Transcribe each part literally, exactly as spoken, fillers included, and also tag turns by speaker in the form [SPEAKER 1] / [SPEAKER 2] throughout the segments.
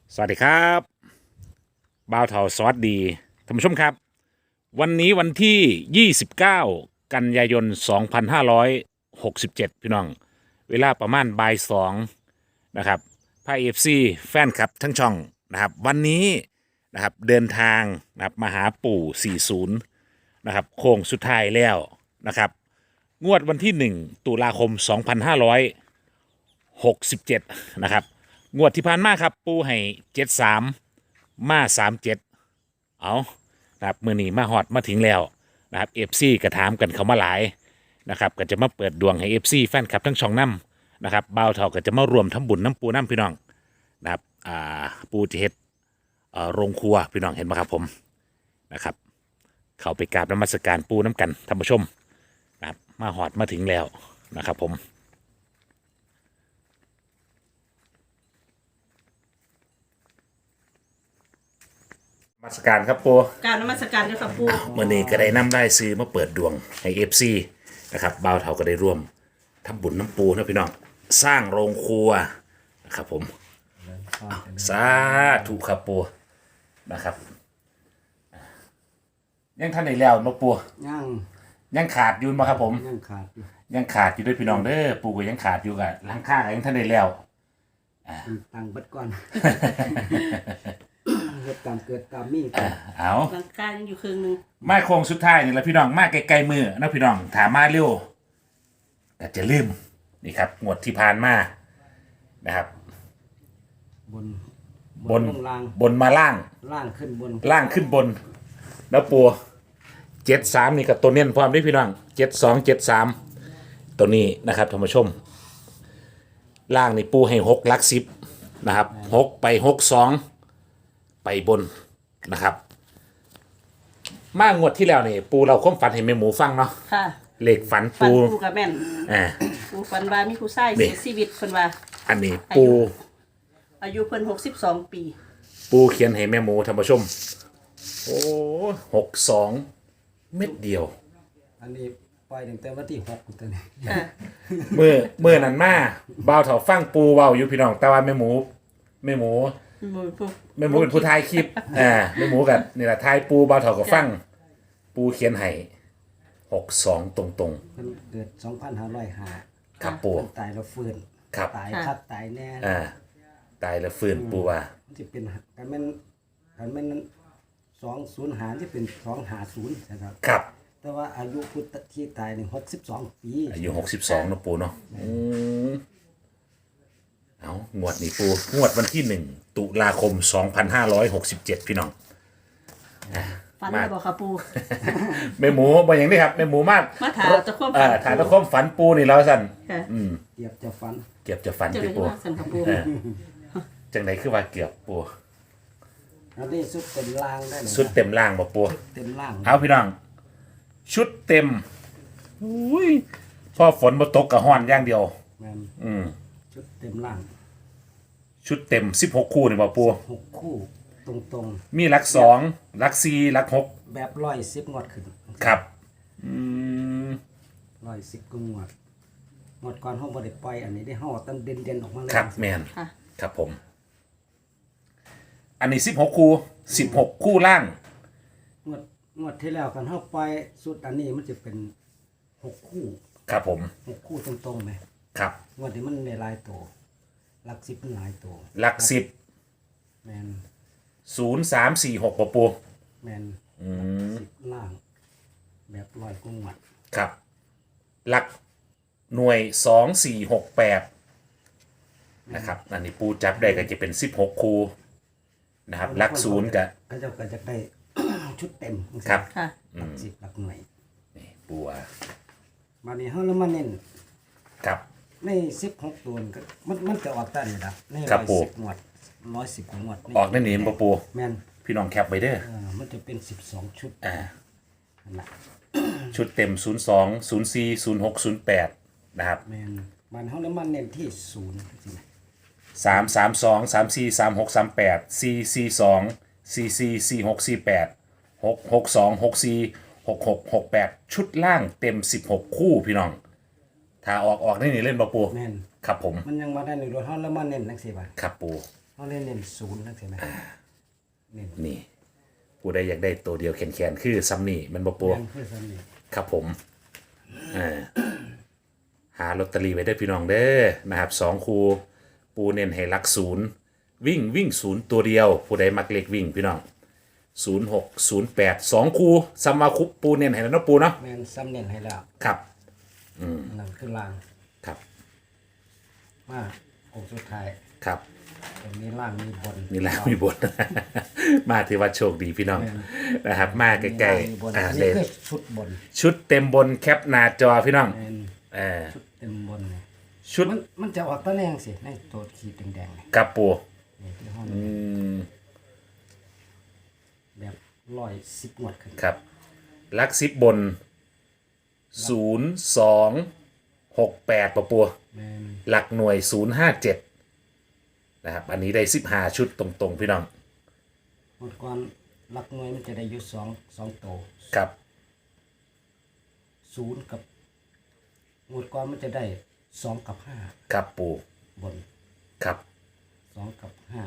[SPEAKER 1] สวัสดีครับบ่าวเทาสวัสดีท่านผู้ชมครับวันนี้วันที่ยี่สิบเก้ากันยายนสองพันห้าร้อยหกสิบเจ็ดพี่น้องเวลาประมาณบ่ายสองนะครับพาเอฟซีแฟนคลับทั้งช่องนะครับวันนี้นะครับเดินทางนะครับมาหาปู่สี่สิบนะครับโค้งสุดท้ายแล้วนะครับงวดวันที่หนึ่งตุลาคมสองพันห้าร้อยหกสิบเจ็ดนะครับงวดที่ผ่านมาครับปูให้เจ็ดสามมาสามเจ็ดเอานะครับมือนี้มาฮอดมาถึงแล้วนะครับเอฟซีกระถามกันเขามาหลายนะครับก็จะมาเปิดดวงให้เอฟซีแฟนคลับทั้งช่องน้ำนะครับบ่าวเท่าก็จะมารวมทำบุญน้ำปูน้ำพี่น้องนะครับอ่าปูจะเฮ็ดเอ่อโรงครัวพี่น้องเห็นไหมครับผมนะครับเข้าไปกราบนมัสการปูน้ำกันท่านผู้ชมนะครับมาฮอดมาถึงแล้วนะครับผม นมาสการครับปู
[SPEAKER 2] การนมัสการเจ้าค่ะปู่
[SPEAKER 1] เมื่อนี้ก็ได้นำได้ซื้อมาเปิดดวงให้เอฟซีนะครับบ่าวเถาก็ได้ร่วมทำบุญน้ำปูนะพี่น้องสร้างโรงครัวนะครับผมอ้าวสาธุครับปูนะครับยังท่านไหนแล้วนกปู
[SPEAKER 3] ย่าง
[SPEAKER 1] ยังขาดอยู่มาครับผม
[SPEAKER 3] ย่างขาดอยู่
[SPEAKER 1] ยังขาดอยู่ด้วยพี่น้องเด้อปูก็ยังขาดอยู่กับหลังข้างยังท่านไหนแล้ว
[SPEAKER 3] ตังเบัดก่อน เฮ็ดตามเกิดตามมี
[SPEAKER 1] อ่าเอา
[SPEAKER 2] ร่างกายยังอยู่ครึ่งหนึง
[SPEAKER 1] มาโค้งสุดท้ายนี่แหละพี่น้องมาไกลๆมือนะพี่น้องถามมาเร็วแต่จะลืมนี่ครับงวดที่ผ่านมานะครับ
[SPEAKER 3] บน
[SPEAKER 1] บน
[SPEAKER 3] ลงล่าง
[SPEAKER 1] บนมาล่าง
[SPEAKER 3] ล่างขึ้นบน
[SPEAKER 1] ล่างขึ้นบน แล้วปัวเจ็ดสามนี่กับตัวเน้นพร้อมด้วยพี่น้องเจ็ดสองเจ็ดสามตัวนี้นะครับท่านผู้ชม ล่างนี่ปูให้หกลักสิบนะครับหกไปหกสองไปบนนะครับ มางวดที่แล้วนี่ปูเราค้มฝันเห็นแม่หมูฟังเนาะ
[SPEAKER 2] ค่ะ
[SPEAKER 1] เลขฝัน
[SPEAKER 2] ฟัน
[SPEAKER 1] ปู
[SPEAKER 2] ปู่กับแม่น
[SPEAKER 1] อ่า
[SPEAKER 2] ปู่ฝันว่ามีผู้ชาย
[SPEAKER 1] นี่
[SPEAKER 2] เสียชีวิตเพิ่นว่า
[SPEAKER 1] อันนี้ปู
[SPEAKER 2] อายุเพิ่นหกสิบสองปี
[SPEAKER 1] ปูเขียนให้แม่หมูท่านผู้ชม โอ้หกสองเม็ดเดียว
[SPEAKER 3] อันนี้ปล่อยตั้งแต่วันที่หกตัวนี้
[SPEAKER 2] ค่ะ
[SPEAKER 1] เมื่อเมื่อนั้นมาบ่าวเถาฟังปูเว้าอยู่พี่น้องแต่ว่าแม่หมูแม่หมู
[SPEAKER 2] หมู่ผู้
[SPEAKER 1] แม่หมูเป็นผู้ถ่ายคลิปอ่าแม่หมูกับนี่แหละถ่ายปูบ่าวเถาก็ฟัง ปูเขียนให้หกสองตรง
[SPEAKER 3] เพิ่นเกิดสองพันห้าร้อยห้า
[SPEAKER 1] ๆครับปู
[SPEAKER 3] เพิ่นตายแล้วฟื้น
[SPEAKER 1] ครับ
[SPEAKER 3] ตายคักตายแน่
[SPEAKER 1] อ่าตายแล้วฟื้นปูว่า
[SPEAKER 3] มันสิเป็นกันแม่นกันแม่นสองศูนย์หารที่เป็นสองหาศูนย์นะครับ
[SPEAKER 1] ครับ
[SPEAKER 3] แต่ว่าอายุพุทธที่ตายนี่หกสิบสองปี
[SPEAKER 1] อายุหกสิบสองเนาะปูเนาะอืมเอางวดนี้ปูงวดวันที่หนึ่งตุลาคมสองพันห้าร้อยหกสิบเจ็ดพี่น้อง
[SPEAKER 2] ฝันได้บ่ค่ะปู่
[SPEAKER 1] แม่หมูบอกอย่างนี้ครับแม่หมูมาก
[SPEAKER 2] มาถามตะความฝัน
[SPEAKER 1] เอ่อถามตะความฝันปูนี่เราสั่น
[SPEAKER 2] ค่ะ
[SPEAKER 1] อืม
[SPEAKER 3] เกียบจะฟัน
[SPEAKER 1] เกือบจะฝัน
[SPEAKER 2] จะ
[SPEAKER 1] พี่
[SPEAKER 2] เป็น
[SPEAKER 1] ปู
[SPEAKER 2] ว่าสันค่ะปู่
[SPEAKER 1] เออจังไหนคือว่าเกือบปู
[SPEAKER 3] อันนี้สุดเต็มล่างได้เลย
[SPEAKER 1] ชุดเต็มล่างบ่ปู
[SPEAKER 3] เต็มล่าง
[SPEAKER 1] เอาพี่น้อง ชุดเต็มอุ้ยพอฝนมาตกกับห้อนอย่างเดียว
[SPEAKER 3] แม่น
[SPEAKER 1] อืม
[SPEAKER 3] ชุดเต็มล่าง
[SPEAKER 1] ชุดเต็มสิบหกคู่นี่บ่ปู
[SPEAKER 3] หกคู่ตรง
[SPEAKER 1] มีหลักสองหลักสี่หลักหก
[SPEAKER 3] ๆ แบบร้อยสิบงวดขึ้น
[SPEAKER 1] ครับ อืม
[SPEAKER 3] ร้อยสิบก็งวดงวดก่อนห้องบริปล่อยอันนี้ได้ห้องตั้งเด่นเด่นๆออกมาเลย
[SPEAKER 1] ครับแมน
[SPEAKER 2] ค่ะ
[SPEAKER 1] ครับผม อันนี้สิบหกคู่สิบหกคู่ล่าง
[SPEAKER 3] งวดงวดที่แล้วกันห้องปล่อยสุดอันนี้มันจะเป็นหกคู่
[SPEAKER 1] ครับผม
[SPEAKER 3] หกคู่ตรงๆไหม
[SPEAKER 1] ครับ
[SPEAKER 3] งวดนี้มันในหลายตัวหลักสิบมันหลายตัว
[SPEAKER 1] หลักสิบ
[SPEAKER 3] แมน
[SPEAKER 1] ศูนย์สามสี่หกปะปู
[SPEAKER 3] แมน
[SPEAKER 1] อืม
[SPEAKER 3] สิบล่าง แบบร้อยกุ้งวัด
[SPEAKER 1] ครับ หลักหน่วยสองสี่หกแปดนะครับอันนี้ปูจับได้ก็จะเป็นสิบหกคูนะครับ หลักศูนย์กับ
[SPEAKER 3] ก็จะก็จะได้ ชุดเต็ม
[SPEAKER 1] ครับ
[SPEAKER 2] ค่ะ
[SPEAKER 3] หลักสิบหลักหน่วย
[SPEAKER 1] นี่ปูว่า
[SPEAKER 3] มานี่เขาแล้วมาเน้น
[SPEAKER 1] ครับ
[SPEAKER 3] ในสิบหกตัวนี่ก็มันมันจะออกตั้งนี่ละใน
[SPEAKER 1] ครั
[SPEAKER 3] ร้
[SPEAKER 1] บ
[SPEAKER 3] อย
[SPEAKER 1] ปู่
[SPEAKER 3] สิบงวดร้อยสิบงวด
[SPEAKER 1] ออกในนี้ปะปู
[SPEAKER 3] แมน
[SPEAKER 1] พี่น้องแคปไปเด้อ
[SPEAKER 3] เออมันจะเป็นสิบสองชุด
[SPEAKER 1] อ่า
[SPEAKER 3] นั่นละ
[SPEAKER 1] ชุดเต็มศูนย์สองศูนย์สี่ศูนย์หกศูนย์แปดนะครับ
[SPEAKER 3] แมนมันเขาแล้วมันเน้นที่ศูนย์จริง
[SPEAKER 1] สามสามสองสามสี่สามหกสามแปดสี่สี่สองสี่สี่สี่หกสี่แปดหกหกสองหกสี่หกหกหกแปดชุดล่างเต็มสิบหกคู่พี่น้อง ถ้าออกออกได้นี่เล่นปะปู
[SPEAKER 3] แมน
[SPEAKER 1] ครับผม
[SPEAKER 3] มันยังมาได้ในรถเขาแล้วมันเน้นนักสิบะ
[SPEAKER 1] ครับปู
[SPEAKER 3] เเขาเล่นเน้นศูนย์นั่นใช่ไหมเน้น
[SPEAKER 1] นี่ผู้ใดอยากได้ตัวเดียวแขนๆคือซัมนี่มันบ่ปู
[SPEAKER 3] แม่นคือสนิท
[SPEAKER 1] ครับผมอ่าหาลอตเตอรี่ไว้ได้อพี่น้องเด้อนะครับสองคูปูเน้นให้หลักศูนย์วิ่งวิ่งศูนย์ตัวเดียว ผู้ใดมักเล็กวิ่งพี่น้องศูนย์หกศูนย์แปดสองคูซัมมาคุปปูเน้นให้แล้วเนาะปูเนาะ
[SPEAKER 3] แม่นซ้ำเน้นให้แล้ว
[SPEAKER 1] ครับ
[SPEAKER 3] นั่นคือล่าง
[SPEAKER 1] ครับ
[SPEAKER 3] มาองค์สุดท้าย
[SPEAKER 1] ครับ
[SPEAKER 3] ตรงนี้ล่างมีบน
[SPEAKER 1] นี่แหละมีบท มาถือว่าโชคดีพี่น้องนะครับ มาใกล้
[SPEAKER 3] มีบน
[SPEAKER 1] ๆอ่า
[SPEAKER 3] อัน
[SPEAKER 1] เล
[SPEAKER 3] นี้
[SPEAKER 1] ย
[SPEAKER 3] คือชุดบน
[SPEAKER 1] ชุดเต็มบนแคปหน้าจอพี่น้อง
[SPEAKER 3] แม่น
[SPEAKER 1] เออ
[SPEAKER 3] ชุดเต็มบนเนี่ย
[SPEAKER 1] ชุด
[SPEAKER 3] มันมันจะออกตะแนงสิในตัวขีดแดงๆเนี่ย
[SPEAKER 1] กับปู
[SPEAKER 3] นี่ที่ห้อง
[SPEAKER 1] อืม
[SPEAKER 3] แบบร้อยสิบงวดขึ้น
[SPEAKER 1] ครับลักซิบบนศูนย์สองหกแปดปะปัว
[SPEAKER 3] แม่น
[SPEAKER 1] หลักหน่วยศูนย์ห้าเจ็ดนะครับ อันนี้ได้สิบห้าชุดตรงๆ พี่น้อง
[SPEAKER 3] หมดก่อนหลักหน่วยมันจะได้อยู่สองสองโตว
[SPEAKER 1] ครับ
[SPEAKER 3] ศูนย์กับหมดก่อนมันจะได้สองกับห้า
[SPEAKER 1] ครับปู
[SPEAKER 3] บน
[SPEAKER 1] ครับ
[SPEAKER 3] สองกับห้า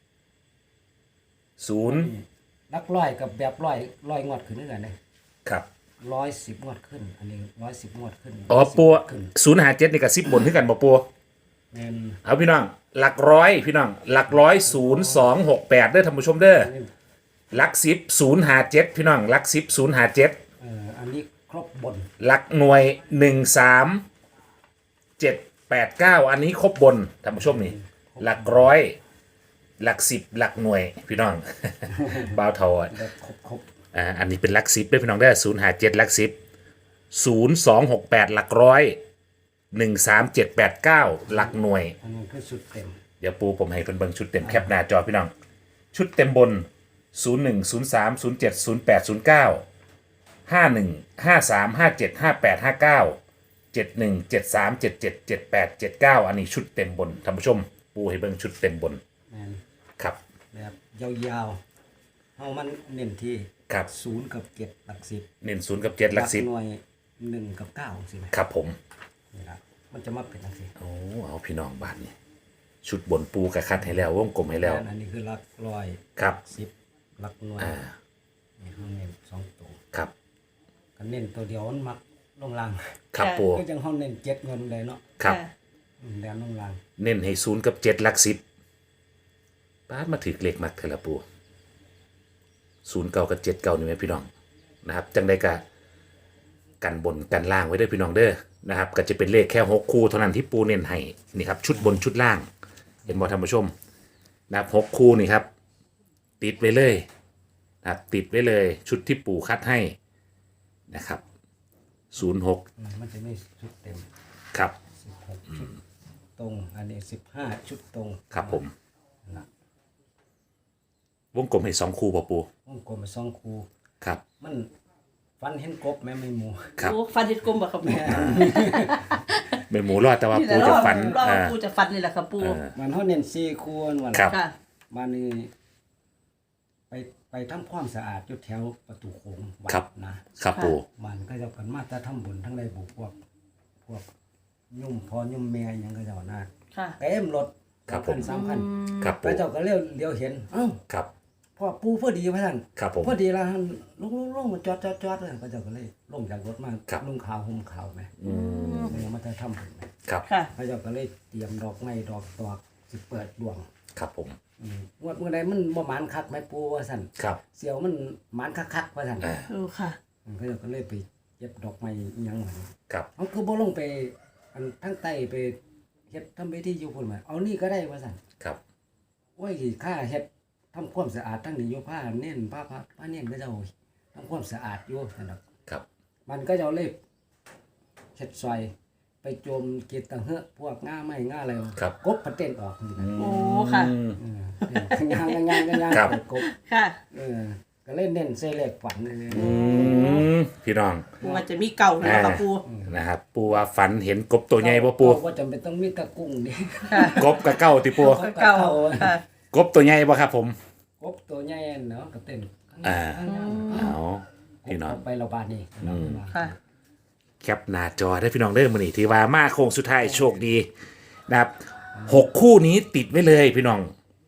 [SPEAKER 1] ศูนย์
[SPEAKER 3] ลักร้อยกับแบบร้อยร้อยงวดขึ้นนี่กันเลย
[SPEAKER 1] ครับ
[SPEAKER 3] ร้อยสิบงวดขึ้น อันนี้ร้อยสิบงวดขึ้น
[SPEAKER 1] อ๋อปัว
[SPEAKER 3] ขึ้น
[SPEAKER 1] ศูนย์ห้าเจ็ดนี่กับสิบบนขึ้นกันปะปัว
[SPEAKER 3] แม่น
[SPEAKER 1] เอาพี่น้อง หลักร้อยพี่น้อง หลักร้อยศูนย์สองหกแปดเด้อท่านผู้ชมเด้อ
[SPEAKER 3] อันนี้
[SPEAKER 1] หลักสิบศูนย์ห้าเจ็ดพี่น้องหลักสิบศูนย์ห้าเจ็ด
[SPEAKER 3] เอ่ออันนี้ครบบน
[SPEAKER 1] หลักหน่วยหนึ่งสามเจ็ดแปดเก้าอันนี้ครบบนท่านผู้ชมนี่ หลักร้อย หลักสิบหลักหน่วยพี่น้อง บ่าวเทาอ่ะ
[SPEAKER 3] แบบครบครบ
[SPEAKER 1] อ่าอันนี้เป็นหลักสิบด้วยพี่น้องได้ศูนย์ห้าเจ็ดหลักสิบศูนย์สองหกแปดหลักร้อยหนึ่งสามเจ็ดแปดเก้าหลักหน่วย
[SPEAKER 3] อันนี้คือสุดเต็ม
[SPEAKER 1] เดี๋ยวปูผมให้เพิ่นเบิ่งชุดเต็มแคปหน้าจอพี่น้อง ชุดเต็มบน ศูนย์หนึ่ง ศูนย์สาม ศูนย์เจ็ด ศูนย์แปด ศูนย์เก้า ห้าหนึ่ง ห้าสาม ห้าเจ็ด ห้าแปด ห้าเก้า เจ็ดหนึ่ง เจ็ดสาม เจ็ดเจ็ด เจ็ดแปด เจ็ดเก้าอันนี้ชุดเต็มบนท่านผู้ชม ปูให้เบิ่งชุดเต็มบน
[SPEAKER 3] แม่น
[SPEAKER 1] ครับ
[SPEAKER 3] แบบยาวๆเฮามันเน้นที่
[SPEAKER 1] ครับ
[SPEAKER 3] ศูนย์กับเจ็ดหลักสิบ
[SPEAKER 1] เน้นศูนย์กับเจ็ดหลักสิบ
[SPEAKER 3] หน่วยหนึ่งกับเก้าสิไหม
[SPEAKER 1] ครับผม
[SPEAKER 3] นี่ละมันจะมาเป็นจังซี่
[SPEAKER 1] โอ้เอาพี่น้องบ้านนี้ชุดบนปูกระคัดให้แล้ววงกลมให้แล้ว
[SPEAKER 3] อันนี้คือหลักร้อย
[SPEAKER 1] ครับ
[SPEAKER 3] สิบหลักหน่วย
[SPEAKER 1] อ่า
[SPEAKER 3] นี่เขาเน้นสองตัว
[SPEAKER 1] ครับ
[SPEAKER 3] ก็เน้นตัวเดียวมันมักลงล่าง
[SPEAKER 1] ครับ
[SPEAKER 2] ค่ะ
[SPEAKER 1] ปู
[SPEAKER 3] ก็จังเฮาเน้นเจ็ดเงินเลยเนาะ
[SPEAKER 1] ครับ
[SPEAKER 2] ค่ะ
[SPEAKER 3] อืมแดนลงล่าง
[SPEAKER 1] เน้นให้ศูนย์กับเจ็ดหลักสิบป้าดมาถือเลขมักเถอะละปูศูนย์เก่ากับเจ็ดเก่านี่ไหมพี่น้องนะครับ จังได้กะกันบนกันล่างไว้ด้วยพี่น้องเด้อนะครับ ก็จะเป็นเลขแค่หกคู่เท่านั้นที่ปูเน้นให้นี่ครับ ชุดบนชุดล่าง เห็นบ่ท่านผู้ชมนะครับหกคู่นี่ครับ ติดไว้เลยนะครับติดไว้เลย ชุดที่ปูคัดให้นะครับศูนย์หก
[SPEAKER 3] อืมมันจะมีชุดเต็ม
[SPEAKER 1] ครับ
[SPEAKER 3] สิบหกชุดตรง อันนี้สิบห้าชุดตรง
[SPEAKER 1] ครับผม
[SPEAKER 3] นะ
[SPEAKER 1] วงกลมให้สองคู่ป่ะปู
[SPEAKER 3] วงกลมไปสองคู
[SPEAKER 1] ครับ
[SPEAKER 3] มันฟันเห็นกบแม่ไม่หมู
[SPEAKER 1] ครับ
[SPEAKER 2] โอ้ฟันเห็ดกลมบ่ครับปู
[SPEAKER 1] เป็นหมูรอดแต่ว่า
[SPEAKER 2] นี่แห
[SPEAKER 1] ปู
[SPEAKER 2] ละ
[SPEAKER 1] จะ
[SPEAKER 2] รอบ
[SPEAKER 1] ฟัน
[SPEAKER 2] รอบ
[SPEAKER 1] อ่า
[SPEAKER 2] ปูจะฟันนี่แหละครับปู
[SPEAKER 3] มันเขาเน้นสี่คูนวัน
[SPEAKER 1] ครับ
[SPEAKER 2] ค่ะ
[SPEAKER 3] มานี่ไปไปทำความสะอาดอยู่แถวประตูโค้งวัด
[SPEAKER 1] ครับ
[SPEAKER 3] นะครับ
[SPEAKER 1] ปู
[SPEAKER 3] มันก็จะกันมาแต่ทำบุญทั้งในบุพวก พวกยุ่มพอยุ่มแม่หยังก็เจ้าหน้า
[SPEAKER 2] ค่ะ
[SPEAKER 3] เต็มรถ
[SPEAKER 1] ครับผม
[SPEAKER 3] สามคัน
[SPEAKER 1] ครับ
[SPEAKER 3] พ
[SPEAKER 1] ปู
[SPEAKER 3] ระเจ้าก็เลี้ยวเลี้ยวเห็นเอ้า
[SPEAKER 1] ครับ
[SPEAKER 3] พ่อปูพอดีพระท่าน
[SPEAKER 1] ครับผม
[SPEAKER 3] พอดีแล้วท่านลงลงลงมาจอดจอดจอดเลยพระเจ้าก็เลยลงจากรถมา
[SPEAKER 1] ครับ
[SPEAKER 3] ลุงขาวห่มขาวไหม
[SPEAKER 1] อืม
[SPEAKER 3] เนี่ยมาแต่ทำบุญไหม
[SPEAKER 1] ครับ
[SPEAKER 2] ค่ะ
[SPEAKER 3] พระเจ้าก็เลยเตรียมดอกไม้ดอกตอกสิเปิดดวง
[SPEAKER 1] ครับผม
[SPEAKER 3] อืมงวดเมื่อใดมันบ่หมานคักไหมปูว่าสั่น
[SPEAKER 1] ครับ
[SPEAKER 3] เสียวมันหมานคักๆว่าสั่น
[SPEAKER 1] อ่า
[SPEAKER 2] โอ้ค่ะ
[SPEAKER 3] อืมพระเจ้าก็เลยไปเย็บดอกไม้อิหยังหัน
[SPEAKER 1] ครับ
[SPEAKER 3] เอาคือบ่ลงไปอันทั้งใต้ไปเฮ็ดทำพิธีอยู่พุ่นมาเอานี่ก็ได้ว่าสั่น
[SPEAKER 1] ครับ
[SPEAKER 3] โอ้ยค่าเฮ็ดทำความสะอาดทั้งนี้อยู่ผ้าเน้นผ้าผ้าผ้าเน้นก็เจ้าทำความสะอาดอยู่นั่นน่ะ
[SPEAKER 1] ครับ
[SPEAKER 3] มันก็จะเอาเลยเฮ็ดซอย ไปโจมเกตตังเฮอะพวกง่าไม้ง่าอะไร
[SPEAKER 1] ครับ
[SPEAKER 3] กบพันเต้นออกนี่นะ
[SPEAKER 2] โอ้ค่ะ
[SPEAKER 1] อืม
[SPEAKER 3] เอองางงางงาง
[SPEAKER 1] ครับ
[SPEAKER 3] กบ
[SPEAKER 2] ค่ะ
[SPEAKER 3] เออก็เล่นเน้นเซเล็กฝันเลย
[SPEAKER 1] อืมพี่น้อง
[SPEAKER 2] ปูว่าจะมีเก่าเลยครับปู
[SPEAKER 1] นะครับ ปูว่าฝันเห็นกบตัวใหญ่ป่ะปู
[SPEAKER 3] ว่าจำเป็นต้องมีตะกุ้งดิ
[SPEAKER 2] ค่ะ
[SPEAKER 1] กบกับเก้าติปู
[SPEAKER 2] เก่าค่ะ
[SPEAKER 1] กบตัวใหญ่ป่ะครับผม
[SPEAKER 3] กบตัวใหญ่เนาะก็เต้น
[SPEAKER 1] อ่า
[SPEAKER 3] ข้งหน้า
[SPEAKER 1] เอาพี่น้อง
[SPEAKER 3] กบไปเราบานนี่
[SPEAKER 1] อืม
[SPEAKER 2] ค่ะ
[SPEAKER 1] แคปหน้าจอได้พี่น้องเด้อมื้อนี้ที่ว่ามาโค้งสุดท้ายโชคดีนะครับหกคู่นี้ติดไว้เลยพี่น้อง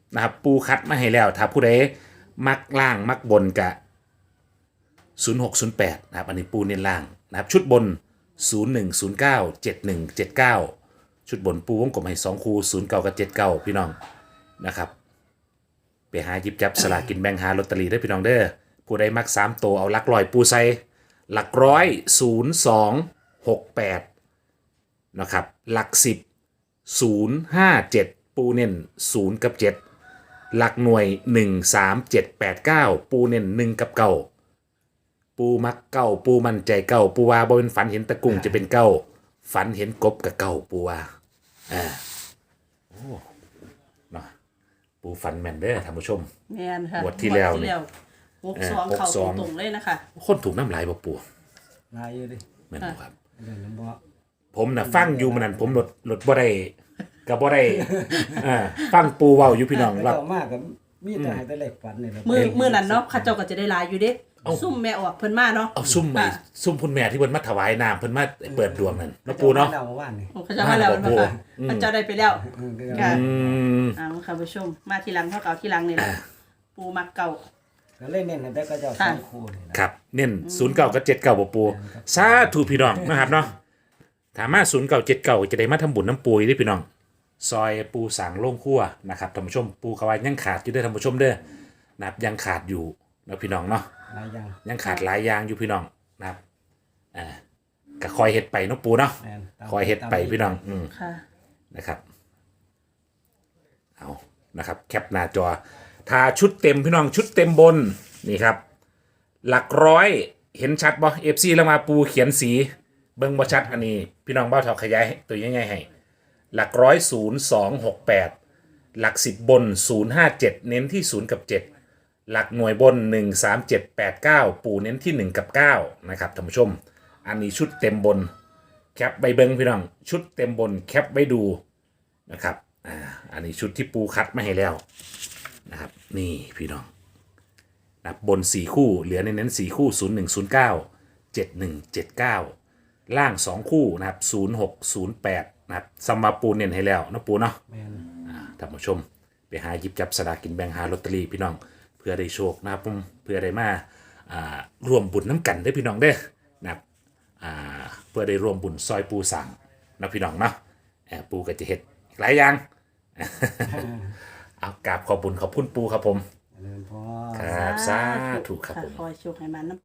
[SPEAKER 1] นะครับปูคัดมาให้แล้ว ถ้าผู้ใดมักล่างมักบนกะศูนย์หกศูนย์แปดนะครับอันนี้ปูเน้นล่างนะครับชุดบนศูนย์หนึ่งศูนย์เก้าเจ็ดหนึ่งเจ็ดเก้าชุดบนปูวงกลมให้สองคูศูนย์เก้ากับเจ็ดเก้าพี่น้องนะครับไปหาหยิบจับสลากกินแบ่งหาลอตเตอรี่ได้พี่น้องเด้อผู้ใดมักสามตัวเอาหลักร้อยปูใส่หลักร้อยศูนย์สองหกแปดนะครับหลักสิบศูนย์ห้าเจ็ดปูเน้นศูนย์กับเจ็ดหลักหน่วยหนึ่งสามเจ็ดแปดเก้าปูเน้นหนึ่งกับเก้าปูมักเก้าปูมั่นใจเก้าปูว่าบ่เป็นฝันเห็นตะกุ่งจะเป็นเก้าฝันเห็นกบกับเก้าปูว่าอ่าโอ้เนาะปูฝันแม่นเด้อท่านผู้ชม
[SPEAKER 2] แม่นค่ะ
[SPEAKER 1] งวดที่แล้วนี่
[SPEAKER 2] หกสอง
[SPEAKER 1] เออ
[SPEAKER 2] เข่า
[SPEAKER 1] หกสอง
[SPEAKER 2] ตรงๆเลยนะคะ
[SPEAKER 1] คนถูกน้ำลายบ่ปู
[SPEAKER 3] ลายอยู่ดิ
[SPEAKER 1] แม่นบ่ครับ
[SPEAKER 3] เดี๋ยวน้ำบ่
[SPEAKER 1] ผมน่ะฟังอยู่มันนั่นผมลดลดบ่ได้ก็บ่ได้อ่าฟังปูเว้าอยู่พี่น้อง
[SPEAKER 3] แต่
[SPEAKER 1] ว่า
[SPEAKER 3] เจ้ามากก็มีแต่ให้แต่เลขฝันนี่แหละ
[SPEAKER 2] มือมือนั้นเนาะเข้าเจ้าก็จะได้หลายอยู่เด้ซุ่มแม่ออกเพิ่นมาเนาะ
[SPEAKER 1] เอาซุ่มไอ้
[SPEAKER 2] ค่ะ
[SPEAKER 1] ซุ่มคุณแม่ที่เพิ่นมาถวายน้ำเพิ่นมาเปิดดวงนั่นเนาะปูเนาะ
[SPEAKER 3] เจ้มว่านนี่
[SPEAKER 2] โอ้เขาเจ้ามาแล้ว
[SPEAKER 1] มาแล้ว
[SPEAKER 2] เนาะค่ะ
[SPEAKER 1] อืม
[SPEAKER 2] เขาเจ้าได้ไปแล้ว
[SPEAKER 3] เออเดี๋ยว
[SPEAKER 2] ค่ะ
[SPEAKER 1] อืม
[SPEAKER 2] อ้าวค่ะผู้ชมมาทีหลังเขาเก่าทีหลังนี่แหละปูมักเก่า
[SPEAKER 3] ก็เล่นเน้นให้แต่ก็เจ้าสองคู่นี่นะครับ
[SPEAKER 1] เน้นศูนย์เก้ากับเจ็ดเก้าบ่ปูสาธุพี่น้องนะครับเนาะถามมาศูนย์เก้าเจ็ดเก้าจะได้มาทำบุญน้ำปูอีกเด้อพี่น้อง ซอยปูสางโล่งคั่วนะครับท่านผู้ชมปูกระวายยังขาดอยู่เด้อท่านผู้ชมเด้อนะครับยังขาดอยู่นะพี่น้องเนาะ
[SPEAKER 3] หลายอย่าง
[SPEAKER 1] ยังขาดหลายอย่างอยู่พี่น้องนะครับอ่าก็คอยเฮ็ดไปเนาะปูเนาะ
[SPEAKER 3] แม่นตาม
[SPEAKER 1] คอยเฮ็ดไปพี่น้องอืม
[SPEAKER 2] ค่ะ
[SPEAKER 1] นะครับเอานะครับแคปหน้าจอถ้าชุดเต็มพี่น้องชุดเต็มบนนี่ครับหลักร้อยเห็นชัดบ่เอฟซีแล้วมาปูเขียนสีเบิ่งบ่ชัดอันนี้พี่น้องเบ้าเท่าขยายตัวใหญ่ๆให้หลักร้อยศูนย์สองหกแปดหลักสิบบนศูนย์ห้าเจ็ดเน้นที่ศูนย์กับเจ็ดหลักหน่วยบนหนึ่งสามเจ็ดแปดเก้าปูเน้นที่หนึ่งกับเก้านะครับท่านผู้ชมอันนี้ชุดเต็มบนแคปใบเบิงพี่น้องชุดเต็มบนแคปไว้ดูนะครับอ่าอันนี้ชุดที่ปูคัดมาให้แล้วนะครับนี่พี่น้องนะบนสี่คู่เหลือในนั้นสี่คู่ศูนย์หนึ่งศูนย์เก้าเจ็ดหนึ่งเจ็ดเก้าล่างสองคู่นะครับศูนย์หกศูนย์แปดนะครับสมมาปูเน้นให้แล้วนะปูเนาะ
[SPEAKER 3] แม่น
[SPEAKER 1] อ่าท่านผู้ชมไปหาหยิบจับสลากกินแบ่งหาลอตเตอรี่พี่น้องเพื่อได้โชคนะครับผมเพื่อได้มาอ่ารวมบุญน้ำกันได้อพี่น้องเด้อนะครับอ่าเพื่อได้รวมบุญซอยปูสั่งนะพี่น้องเนาะเอ่อปูก็จะเฮ็ดอีกหลายอย่าง เอากราบขอบบุญขอบคุณปูครับผม
[SPEAKER 3] เจริญพร
[SPEAKER 1] ครับสาธุครับผม
[SPEAKER 2] คอยโชคให้มันน้ำ